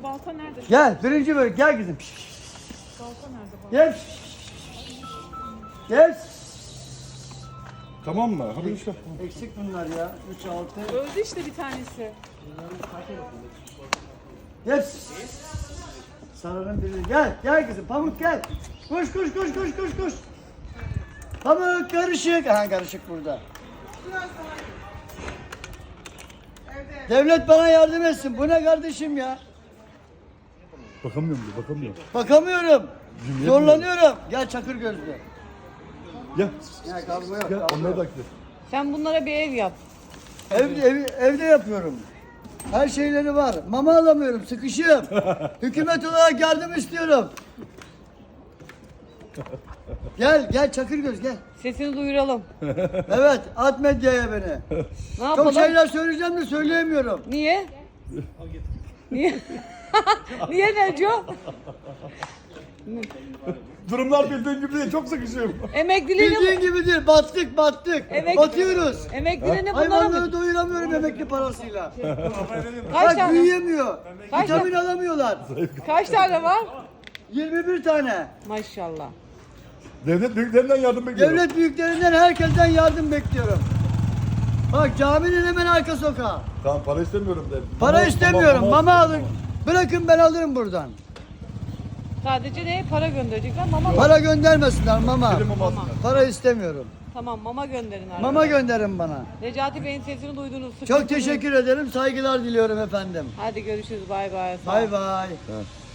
balta nerede? Gel birinci bölük gel kızım. Balta nerede? Balta? Gel. Gel. Tamam mı? Hadi işte. Eksik bunlar ya. 3, 6. Öldü işte bir tanesi. Gel. Sarının biri. Gel. Gel kızım. Pamuk gel. Koş koş koş koş koş koş. Pamuk karışık. Ha karışık burada. Devlet bana yardım etsin. Bu ne kardeşim ya? Bakamıyorum diyor, bakamıyorum. Bakamıyorum. Zorlanıyorum. Gel çakır gözlü. Gel. Ya kavga yok. Gel, kavga onlara yok. da gidelim. Sen bunlara bir ev yap. Evde yapıyorum. Her şeyleri var. Mama alamıyorum. Sıkışığım. Hükümet olarak yardım istiyorum. Gel gel Çakırgöz gel. Sesini duyuralım. Evet at medyaya beni. Ne yapalım? Çok şeyler söyleyeceğim de söyleyemiyorum. Niye? Niye? Niye Neco? Durumlar bildiğin gibi değil, çok sıkışıyorum. Emekliliğini... Bildiğin gibi değil. Battık battık. Batıyoruz. Emekliliğini bunlara Hayvanları mı? doyuramıyorum emekli parasıyla. Kaç Bak tane? büyüyemiyor. Kaç Vitamin alamıyorlar. Kaç tane var? 21 tane. Maşallah. Devlet büyüklerinden yardım bekliyorum. Devlet büyüklerinden herkesten yardım bekliyorum. Bak caminin hemen arka sokağı. Tamam, para istemiyorum de. Para istemiyorum. Mama alın. Bırakın ben alırım buradan. Sadece ne? Para gönderecekler. Mama mı? Para göndermesinler mama. Benim mama alsınlar. Para istemiyorum. Tamam mama gönderin abi. Mama gönderin bana. Necati Bey'in sesini duydunuz. Çok sıkıntı teşekkür ederim. Saygılar diliyorum efendim. Hadi görüşürüz. Bay bay. Sağ ol. Bay bay. Ha.